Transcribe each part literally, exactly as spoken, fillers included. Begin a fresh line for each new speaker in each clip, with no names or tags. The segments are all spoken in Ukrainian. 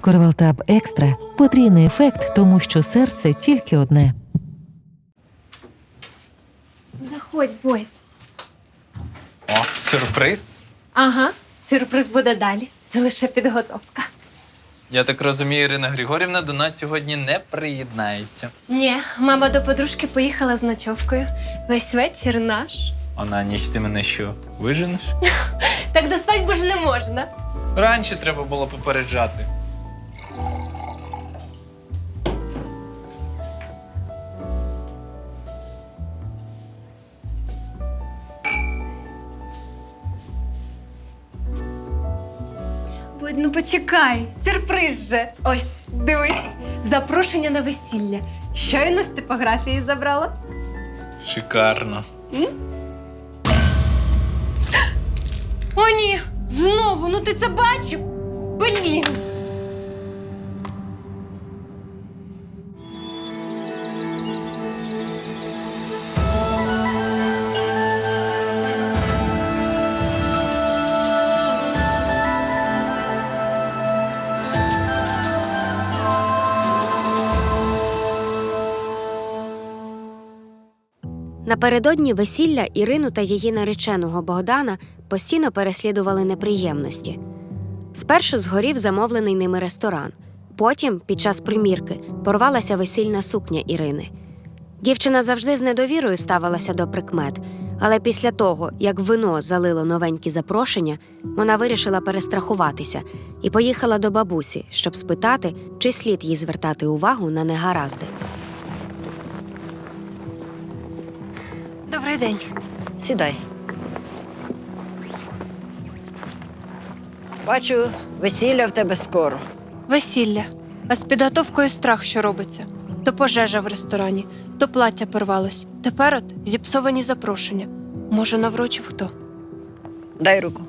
Корвалтаб Екстра – потрійний ефект, тому що серце тільки одне.
Заходь, Бось.
О, сюрприз.
Ага, сюрприз буде далі. Це лише підготовка.
Я так розумію, Ірина Григорівна до нас сьогодні не приєднається.
Ні, мама до подружки поїхала з ночовкою. Весь вечір наш.
А на ніч ти мене що, виженеш?
Так до свадьби ж не можна.
Раніше треба було попереджати.
Будь, ну почекай, сюрприз же. Ось, дивись, запрошення на весілля. Щойно з типографії забрала.
Шикарно.
М? О, ні! Знову, ну ти це бачив? Блін!
Напередодні весілля Ірину та її нареченого Богдана постійно переслідували неприємності. Спершу згорів замовлений ними ресторан. Потім, під час примірки, порвалася весільна сукня Ірини. Дівчина завжди з недовірою ставилася до прикмет, але після того, як вино залило новенькі запрошення, вона вирішила перестрахуватися і поїхала до бабусі, щоб спитати, чи слід їй звертати увагу на негаразди.
Добрий день.
Сідай. Бачу, весілля в тебе скоро.
Весілля. А з підготовкою страх, що робиться. То пожежа в ресторані, то плаття порвалось. Тепер от зіпсовані запрошення. Може, наврочив хто?
Дай руку.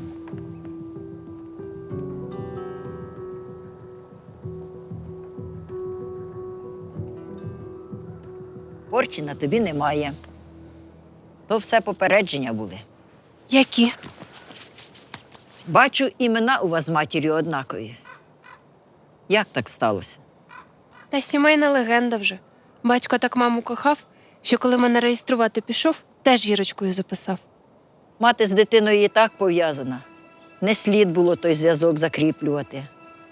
Порчі на тобі немає. То все попередження були.
Які?
Бачу, імена у вас з матір'ю однакові. Як так сталося?
Та сімейна легенда вже. Батько так маму кохав, що коли мене реєструвати пішов, теж Ірочкою записав.
Мати з дитиною і так пов'язана. Не слід було той зв'язок закріплювати.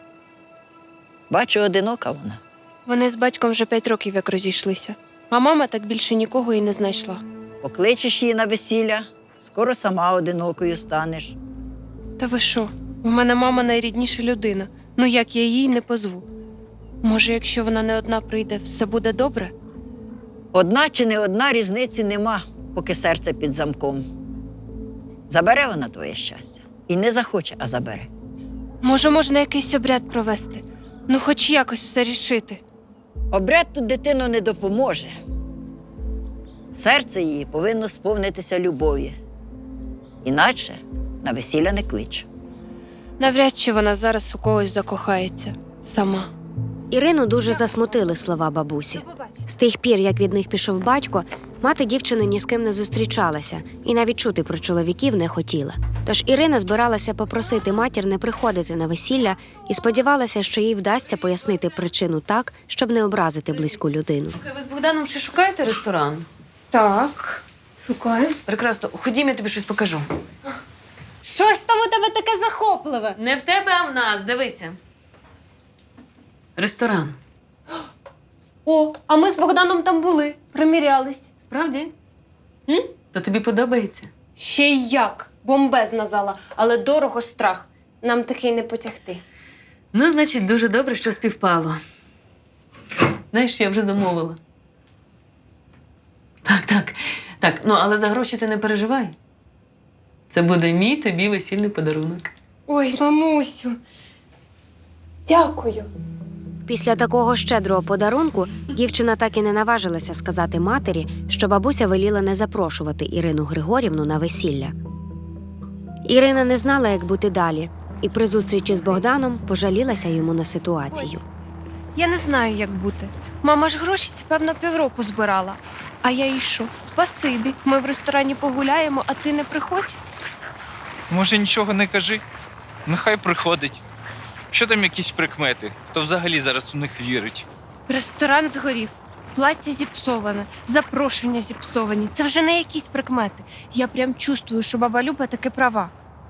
Бачу, одинока вона.
Вони з батьком вже п'ять років як розійшлися. А мама так більше нікого і не знайшла.
Покличеш її на весілля, скоро сама одинокою станеш.
Та ви що? У мене мама найрідніша людина. Ну як я їй не позву? Може, якщо вона не одна прийде, все буде добре?
Одна чи не одна різниці нема, поки серце під замком. Забере вона твоє щастя. І не захоче, а забере.
Може, можна якийсь обряд провести? Ну, хоч якось все рішити.
Обряд тут дитину не допоможе. Серце її повинно сповнитися любові. Іначе на весілля не клич.
Навряд чи вона зараз у когось закохається. Сама.
Ірину дуже засмутили слова бабусі. З тих пір, як від них пішов батько, мати дівчини ні з ким не зустрічалася і навіть чути про чоловіків не хотіла. Тож Ірина збиралася попросити матір не приходити на весілля і сподівалася, що їй вдасться пояснити причину так, щоб не образити близьку людину.
Слухай, ви з Богданом ще шукаєте ресторан?
Так, шукаю.
Прекрасно. Ходім, я тобі щось покажу.
Що ж там у тебе таке захопливе?
Не в тебе, а в нас. Дивися. Ресторан.
О, а ми з Богданом там були, примірялись.
Справді?
М?
То тобі подобається?
Ще й як. Бомбезна зала, але дорого страх. Нам такий не потягти.
Ну, значить, дуже добре, що співпало. Знаєш, я вже замовила. Так, так. Так, ну, але за гроші ти не переживай. Це буде мій тобі весільний подарунок.
Ой, мамусю. Дякую.
Після такого щедрого подарунку дівчина так і не наважилася сказати матері, що бабуся веліла не запрошувати Ірину Григорівну на весілля. Ірина не знала, як бути далі, і при зустрічі з Богданом пожалілася йому на ситуацію.
Я не знаю, як бути. Мама ж гроші, певно, півроку збирала. А я їй що? Спасибі. Ми в ресторані погуляємо, а ти не приходь?
Може, нічого не кажи? Нехай приходить. Що там якісь прикмети? Хто взагалі зараз у них вірить?
Ресторан згорів, плаття зіпсоване, запрошення зіпсовані. Це вже не якісь прикмети. Я прям чувствую, що баба Люба таки права.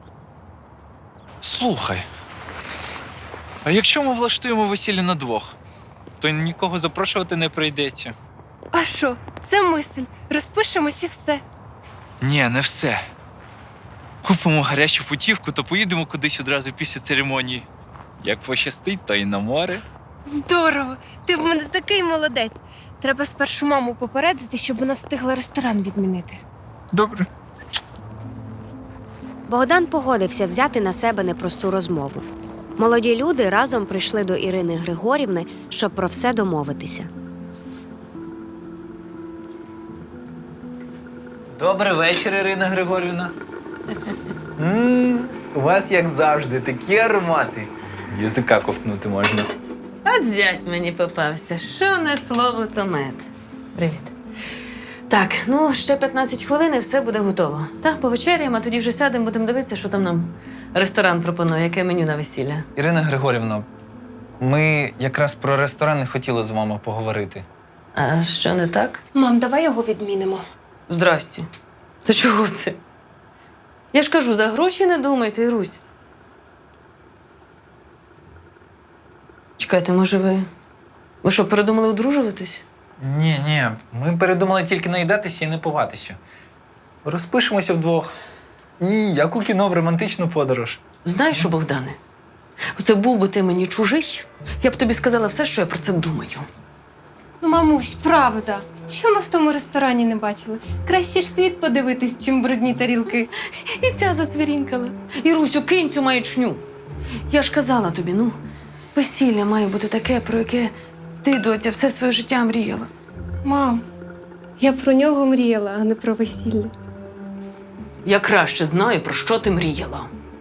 Слухай. А якщо ми влаштуємо весілля на двох, то нікого запрошувати не прийдеться.
А що? Це мисль. Розпишемось і все.
Ні, не все. Купимо гарячу путівку, то поїдемо кудись одразу після церемонії. Як пощастить, то й на море.
Здорово! Ти в мене такий молодець. Треба спершу маму попередити, щоб вона встигла ресторан відмінити.
Добре.
Богдан погодився взяти на себе непросту розмову. Молоді люди разом прийшли до Ірини Григорівни, щоб про все домовитися.
Добрий вечір, Ірина Григорівна. М, У вас, як завжди, такі аромати. Язика ковтнути можна.
От зять мені попався. Що не слово, то мед. Привіт. Так, ну ще п'ятнадцять хвилин і все буде готово. Так, повечеряємо, а тоді вже сядемо, будемо дивитися, що там нам ресторан пропонує, яке меню на весілля.
Ірина Григорівна, ми якраз про ресторан хотіли з вами поговорити.
А що не так?
Мам, давай його відмінимо.
Здрасті. Та чого це? Я ж кажу, за гроші не думайте, Ірусь. Чекайте, може ви. Ви що, передумали одружуватись?
Ні, ні, ми передумали тільки наїдатися і не пуватися. Розпишемося вдвох. І як у кіно в романтичну подорож.
Знаєш що, Богдане? Оце був би ти мені чужий, я б тобі сказала все, що я про це думаю.
Ну, мамусь, правда. Що ми в тому ресторані не бачили? Краще ж світ подивитись, чим брудні тарілки.
І ця засвірінкала. Ірусю, кинь цю маячню. Я ж казала тобі, ну, весілля має бути таке, про яке ти, доця, все своє життя мріяла.
Мам, я про нього мріяла, а не про весілля.
Я краще знаю, про що ти мріяла.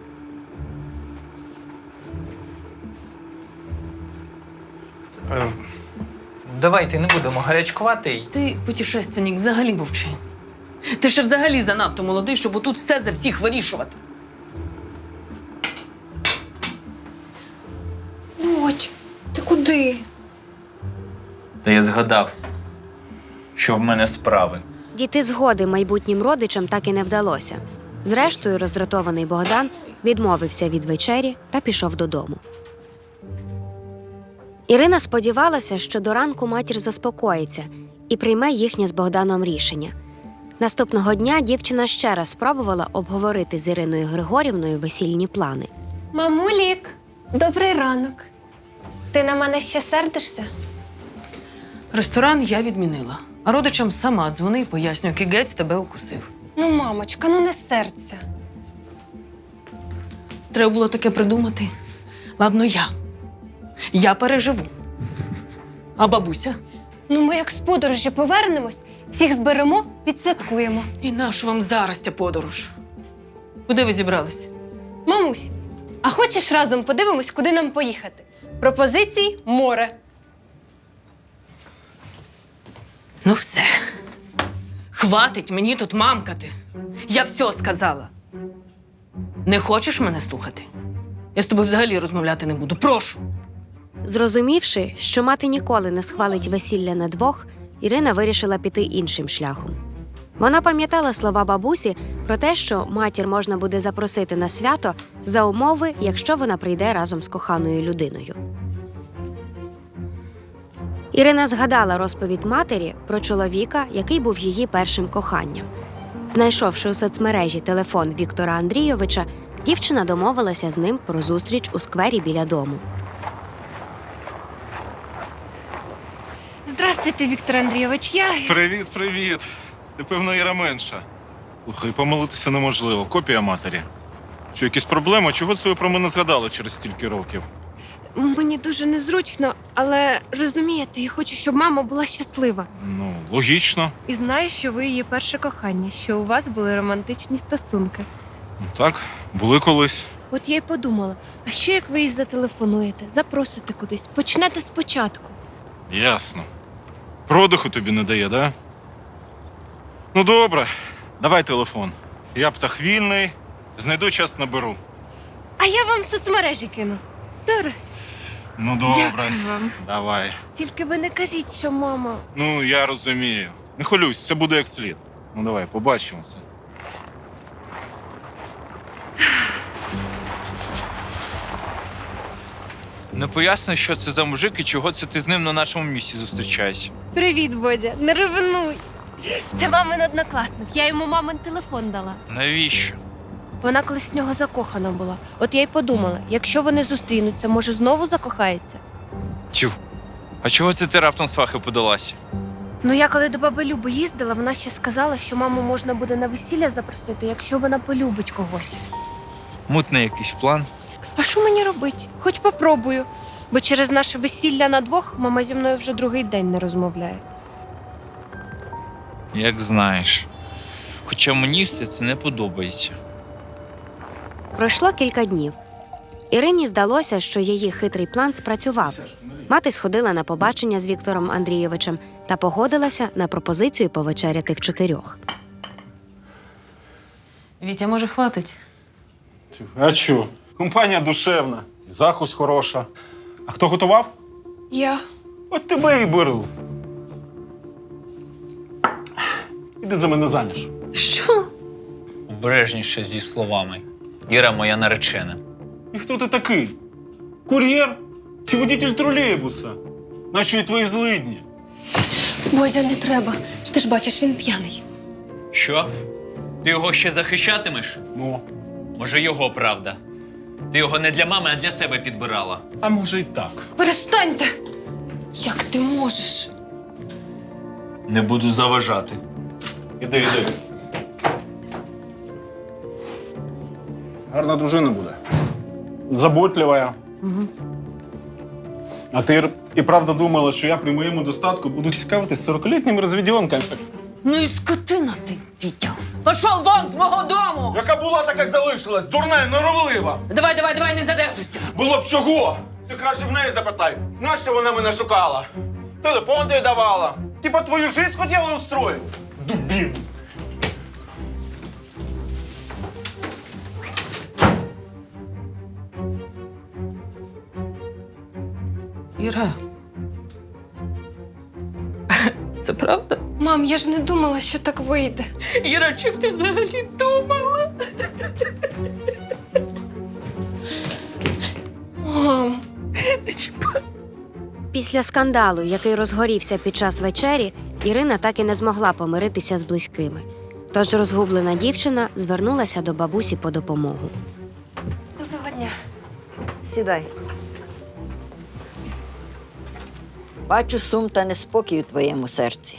Е, Давайте не будемо гарячкувати.
Ти, путешественник, взагалі мовчи. Ти ще взагалі занадто молодий, щоб отут все за всіх вирішувати.
Будь, ти куди?
Та я згадав, що в мене справи.
Дійти згоди майбутнім родичам так і не вдалося. Зрештою, роздратований Богдан відмовився від вечері та пішов додому. Ірина сподівалася, що до ранку матір заспокоїться і прийме їхнє з Богданом рішення. Наступного дня дівчина ще раз спробувала обговорити з Іриною Григорівною весільні плани.
Мамулік, добрий ранок. Ти на мене ще сердишся?
Ресторан я відмінила. А родичам сама дзвони і пояснюю, який гець тебе укусив.
Ну, мамочка, ну не серця.
Треба було таке придумати. Ладно, я. Я переживу. А бабуся?
Ну, ми як з подорожі повернемось, всіх зберемо, відсвяткуємо.
І нащо вам зараз ця подорож? Куди ви зібрались?
Мамусь, а хочеш разом подивимось, куди нам поїхати? Пропозицій – море.
Ну все. Хватить мені тут мамкати. Я все сказала. Не хочеш мене слухати? Я з тобою взагалі розмовляти не буду. Прошу.
Зрозумівши, що мати ніколи не схвалить весілля на двох, Ірина вирішила піти іншим шляхом. Вона пам'ятала слова бабусі про те, що матір можна буде запросити на свято за умови, якщо вона прийде разом з коханою людиною. Ірина згадала розповідь матері про чоловіка, який був її першим коханням. Знайшовши у соцмережі телефон Віктора Андрійовича, дівчина домовилася з ним про зустріч у сквері біля дому.
Здравствуйте, Віктор Андрійович. Я...
Привіт, привіт. Ти, певно, Іра менша. Слухай, помилитися неможливо. Копія матері. Що, якісь проблеми? Чого це ви про мене згадали через стільки років?
Мені дуже незручно, але розумієте, я хочу, щоб мама була щаслива.
Ну, логічно.
І знаю, що ви її перше кохання, що у вас були романтичні стосунки.
Ну, так, були колись.
От я й подумала, а що як ви їй зателефонуєте, запросите кудись, почнете спочатку?
Ясно. Продиху тобі не дає, да? Ну, добре. Давай телефон. Я птах вільний. Знайду час, наберу.
А я вам в соцмережі кину. Добре.
Ну добре,
Дякую вам.
давай.
Тільки ви не кажіть, що мама.
Ну, я розумію. Не хвилюйся, це буде як слід. Ну давай, побачимося.
Не поясни, що це за мужик і чого це ти з ним на нашому місці зустрічаєшся.
Привіт, Бодя. Не ревнуй. Це мамин однокласник. Я йому мамин телефон дала.
Навіщо?
Вона колись в нього закохана була. От я й подумала, якщо вони зустрінуться, може знову закохається?
Тю. А чого це ти раптом свахи подалася?
Ну я коли до баби Люби їздила, вона ще сказала, що маму можна буде на весілля запросити, якщо вона полюбить когось.
Мутний якийсь план.
А що мені робити? Хоч попробую. Бо через наше весілля на двох мама зі мною вже другий день не розмовляє.
Як знаєш. Хоча мені все це не подобається.
Пройшло кілька днів. Ірині здалося, що її хитрий план спрацював. Мати сходила на побачення з Віктором Андрійовичем та погодилася на пропозицію повечеряти в чотирьох.
Вітя, може, хватить?
А чо? Компанія душевна, закусь хороша. А хто готував?
Я.
От тебе і беру. Іди за мене заміж.
Що?
Обережніше зі словами. Іра моя наречена.
І хто ти такий? Кур'єр? Чи водитель тролейбуса? Наші і твої злидні.
Бодя, не треба. Ти ж бачиш, він п'яний.
Що? Ти його ще захищатимеш?
Ну,
Може, його правда. Ти його не для мами, а для себе підбирала.
а може й так.
Перестаньте! Як ти можеш?
Не буду заважати.
Іди, іди. Гарна дружина буде. Заботлива.
Угу.
А ти і правда думала, що я при моєму достатку буду цікавитись сорокалітніми розвідьонками?
Ну і скотина ти, Вітя. Пішов вон з мого дому!
Яка була, така й залишилась. Дурна і норовлива.
Давай, давай, давай, не задержуйся.
Було б чого? Ти краще в неї запитай, нащо вона мене шукала? Телефон ти давала. Типа твою жизнь хотіла устроїти? Дубін.
Іра. Це правда?
Мам, я ж не думала, що так вийде.
Іра, чим ти взагалі думала?
Мам.
Після скандалу, який розгорівся під час вечері, Ірина так і не змогла помиритися з близькими. Тож розгублена дівчина звернулася до бабусі по допомогу.
Доброго дня.
Сідай. Бачу сум та неспокій у твоєму серці.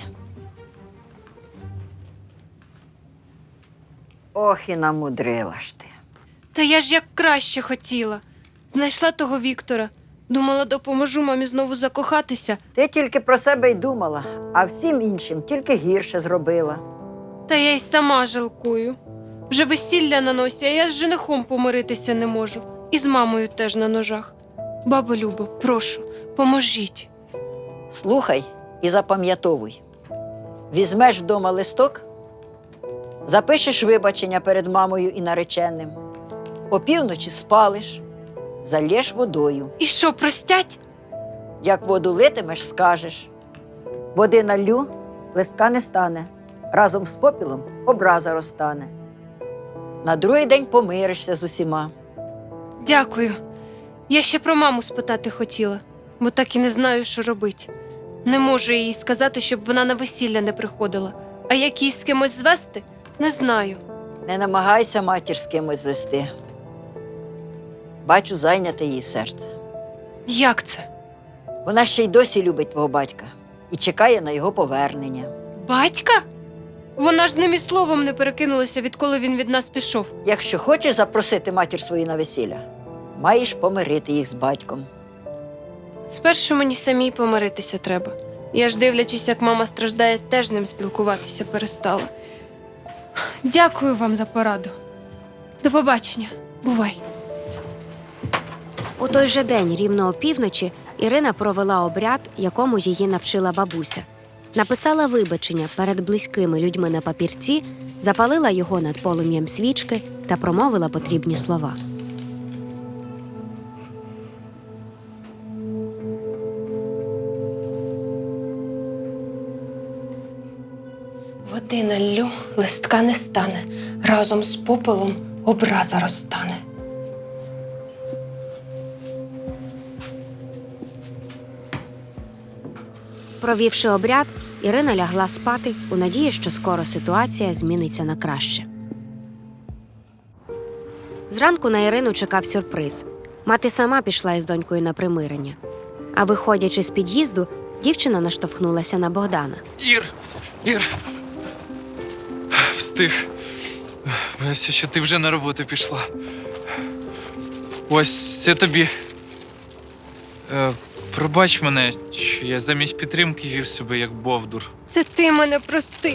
Ох, і намудрила ж ти.
Та я ж як краще хотіла. Знайшла того Віктора. Думала, допоможу мамі знову закохатися.
Ти тільки про себе й думала, а всім іншим тільки гірше зробила.
Та я й сама жалкую. Вже весілля на носі, а я з женихом помиритися не можу. І з мамою теж на ножах. Бабо Любо, прошу, поможіть.
Слухай і запам'ятовуй. Візьмеш вдома листок, запишеш вибачення перед мамою і нареченим, опівночі спалиш, зальєш водою.
І що, простять?
Як воду литимеш, скажеш. Води налью, листка не стане. Разом з попілом образа розтане. На другий день помиришся з усіма.
Дякую. Я ще про маму спитати хотіла, бо так і не знаю, що робити. Не можу їй сказати, щоб вона на весілля не приходила. А як її з кимось звести, не знаю.
Не намагайся матір з кимось звести. Бачу, зайняте її серце.
Як це?
Вона ще й досі любить твого батька і чекає на його повернення.
Батька? Вона ж з ним і словом не перекинулася, відколи він від нас пішов.
Якщо хочеш запросити матір свою на весілля, маєш помирити їх з батьком.
Спершу мені самій помиритися треба. Я ж, дивлячись, як мама страждає, теж з ним спілкуватися перестала. Дякую вам за пораду. До побачення. Бувай.
У той же день, рівно опівночі, Ірина провела обряд, якому її навчила бабуся. Написала вибачення перед близькими людьми на папірці, запалила його над полум'ям свічки та промовила потрібні слова.
Води наллю, листка не стане. Разом з попелом образа розтане.
Провівши обряд, Ірина лягла спати у надії, що скоро ситуація зміниться на краще. Зранку на Ірину чекав сюрприз. Мати сама пішла із донькою на примирення. А виходячи з під'їзду, дівчина наштовхнулася на Богдана.
Ір! Ір! Встиг. Боюся, що ти вже на роботу пішла. Ось це тобі. Е, пробач мене, що я замість підтримки вів себе як бовдур.
Це ти мене прости.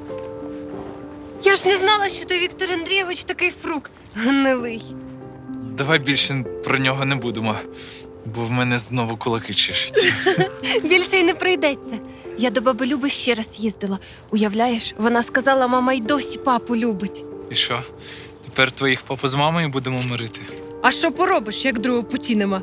Я ж не знала, що ти, Віктор Андрійович, такий фрукт гнилий.
Давай більше про нього не будемо, бо в мене знову кулаки чешуться.
Більше й не прийдеться. Я до баби Люби ще раз їздила. Уявляєш, вона сказала, мама й досі папу любить.
І що? Тепер твоїх папу з мамою будемо мирити?
А що поробиш, як другого путі нема?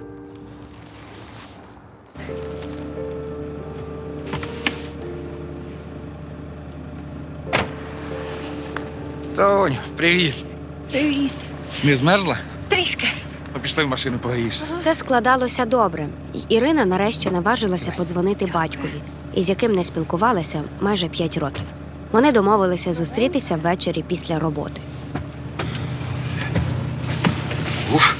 Тонь, привіт.
Привіт.
Не змерзла?
Трішки.
Ну, пішли в машину погрієшся.
Все складалося добре, і Ірина нарешті наважилася подзвонити батькові, із яким не спілкувалася майже п'ять років. Вони домовилися зустрітися ввечері після роботи.
Ух.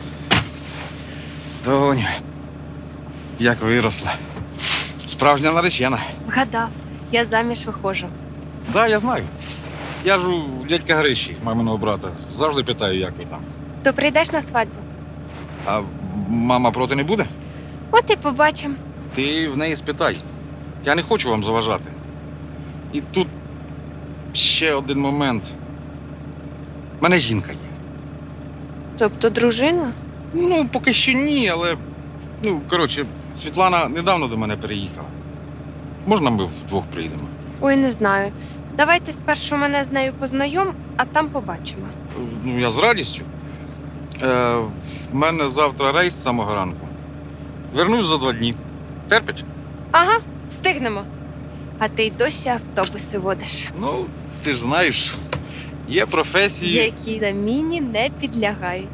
Тонь, як виросла. Справжня наречена.
Вгадав, я заміж виходжу.
Так, да, я знаю. Я ж у дядька Гриші, маминого брата. Завжди питаю, як ви там.
То прийдеш на свадьбу?
А мама проти не буде?
От і побачимо.
Ти в неї спитай. Я не хочу вам заважати. І тут ще один момент. У мене жінка є.
Тобто дружина?
Ну, поки що ні, але. Ну, коротше, Світлана недавно до мене переїхала. Можна ми вдвох приїдемо?
Ой, не знаю. Давайте спершу мене з нею познайом, а там побачимо.
Ну, я з радістю. Е, в мене завтра рейс з самого ранку. Вернусь за два дні. Терпить?
Ага, встигнемо. А ти й досі автобуси водиш.
Ну, ти ж знаєш, є професії.
Які заміні не підлягають.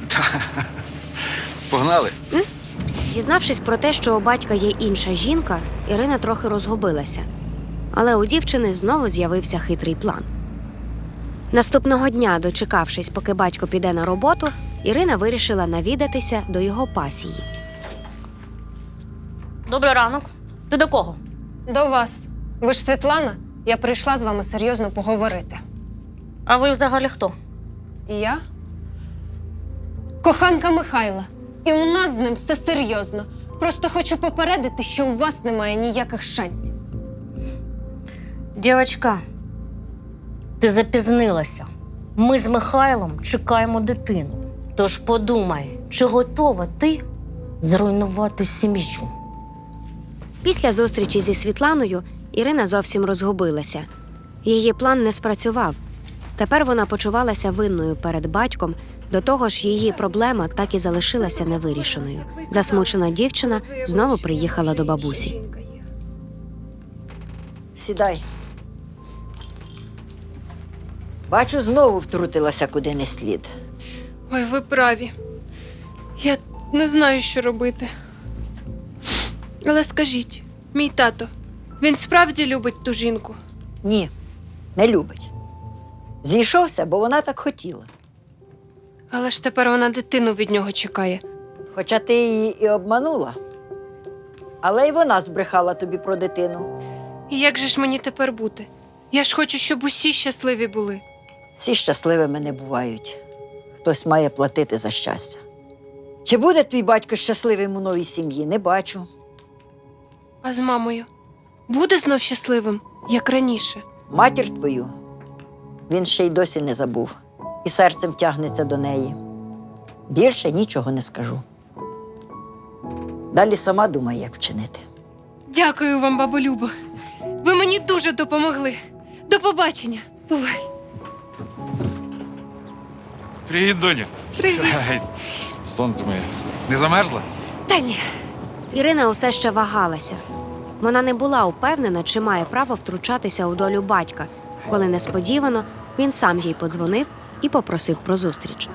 Погнали.
Дізнавшись про те, що у батька є інша жінка, Ірина трохи розгубилася. Але у дівчини знову з'явився хитрий план. Наступного дня, дочекавшись, поки батько піде на роботу, Ірина вирішила навідатися до його пасії.
Добрий ранок. Ти до кого?
До вас. Ви ж Світлана? Я прийшла з вами серйозно поговорити.
А ви взагалі хто?
І я? Коханка Михайла. І у нас з ним все серйозно. Просто хочу попередити, що у вас немає ніяких шансів.
Дівчатка, ти запізнилася. Ми з Михайлом чекаємо дитину. Тож подумай, чи готова ти зруйнувати сім'ю?
Після зустрічі зі Світланою Ірина зовсім розгубилася. Її план не спрацював. Тепер вона почувалася винною перед батьком, до того ж її проблема так і залишилася невирішеною. Засмучена дівчина знову приїхала до бабусі.
Сідай. Бачу, знову втрутилася куди не слід.
Ой, ви праві. Я не знаю, що робити. Але скажіть, мій тато, він справді любить ту жінку?
Ні, не любить. Зійшовся, бо вона так хотіла.
Але ж тепер вона дитину від нього чекає.
Хоча ти її і обманула, але й вона збрехала тобі про дитину.
І як же ж мені тепер бути? Я ж хочу, щоб усі щасливі були.
Всі щасливими не бувають. Хтось має платити за щастя. Чи буде твій батько щасливим у новій сім'ї, не бачу.
А з мамою? Буде знов щасливим, як раніше?
Матір твою він ще й досі не забув. І серцем тягнеться до неї. Більше нічого не скажу. Далі сама думай, як вчинити.
Дякую вам, бабо Любо. Ви мені дуже допомогли. До побачення. Бувай.
Привіт, доня. Привіт. Сонце моє. Не замерзла?
Та ні.
Ірина усе ще вагалася. Вона не була упевнена, чи має право втручатися у долю батька, коли несподівано він сам їй подзвонив і попросив про зустріч.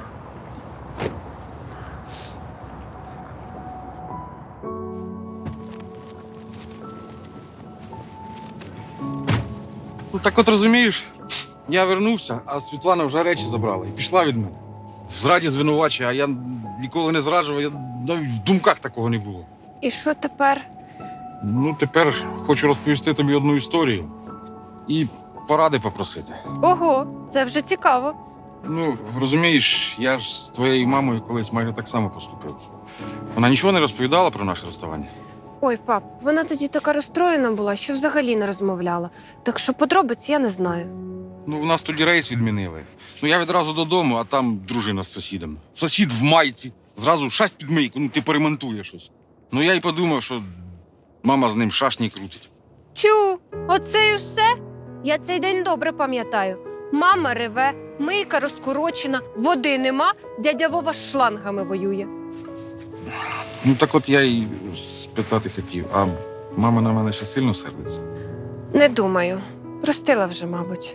Ну так от розумієш, я вернувся, а Світлана вже речі забрала і пішла від мене. В зраді звинувачує, а я ніколи не зраджував, я навіть в думках такого не було.
І що тепер?
Ну, тепер хочу розповісти тобі одну історію і поради попросити.
Ого, це вже цікаво.
Ну, розумієш, я ж з твоєю мамою колись майже так само поступив. Вона нічого не розповідала про наше розставання.
Ой, пап, вона тоді така розстроєна була, що взагалі не розмовляла. Так що подробиць я не знаю.
Ну, в нас тоді рейс відмінили. Ну, я відразу додому, а там дружина з сусідом. Сусід в майці. Зразу шасть під мийку, ну ти поремонтує щось. Ну, я й подумав, що мама з ним шашні крутить.
Тю, оце й усе? Я цей день добре пам'ятаю. Мама реве, мийка розкорочена, води нема, дядя Вова з шлангами воює.
Ну, так от я й спитати хотів, а мама на мене ще сильно сердиться?
Не думаю. Простила вже, мабуть.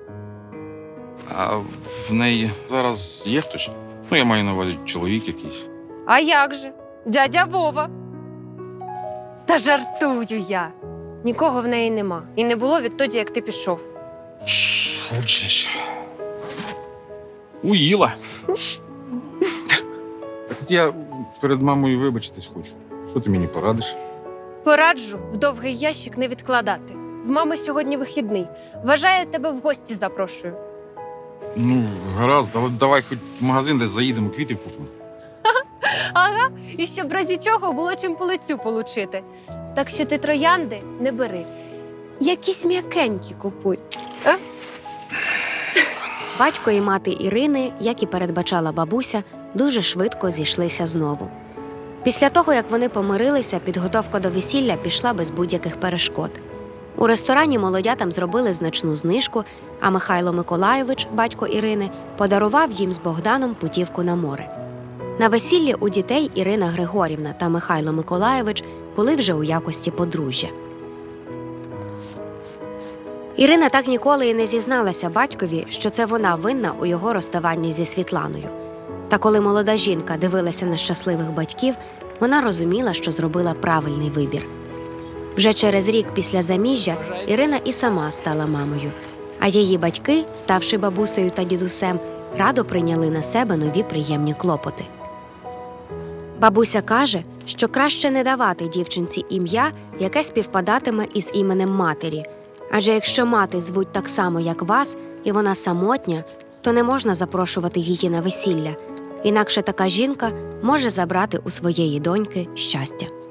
А в неї зараз є хтось? Ну, я маю на увазі чоловік якийсь.
А як же? Дядя Вова. Та жартую я. Нікого в неї нема. І не було відтоді, як ти пішов.
Отже ж. Уїла. Так от я перед мамою вибачитись хочу. Що ти мені порадиш?
Пораджу в довгий ящик не відкладати. В мами сьогодні вихідний. Вважає, тебе в гості запрошую.
Ну, гаразд, давай, давай хоч в магазин десь заїдемо, квітів купимо.
Ага, і щоб в разі чого було чим по лицю получити. Так що ти троянди не бери. Якісь м'якенькі купуй.
Батько і мати Ірини, як і передбачала бабуся, дуже швидко зійшлися знову. Після того, як вони помирилися, підготовка до весілля пішла без будь-яких перешкод. У ресторані молодятам зробили значну знижку, а Михайло Миколайович, батько Ірини, подарував їм з Богданом путівку на море. На весіллі у дітей Ірина Григорівна та Михайло Миколайович були вже у якості подружжя. Ірина так ніколи і не зізналася батькові, що це вона винна у його розставанні зі Світланою. Та коли молода жінка дивилася на щасливих батьків, вона розуміла, що зробила правильний вибір. Вже через рік після заміжжя Ірина і сама стала мамою, а її батьки, ставши бабусею та дідусем, радо прийняли на себе нові приємні клопоти. Бабуся каже, що краще не давати дівчинці ім'я, яке співпадатиме із іменем матері, адже якщо мати звуть так само, як вас, і вона самотня, то не можна запрошувати її на весілля, інакше така жінка може забрати у своєї доньки щастя.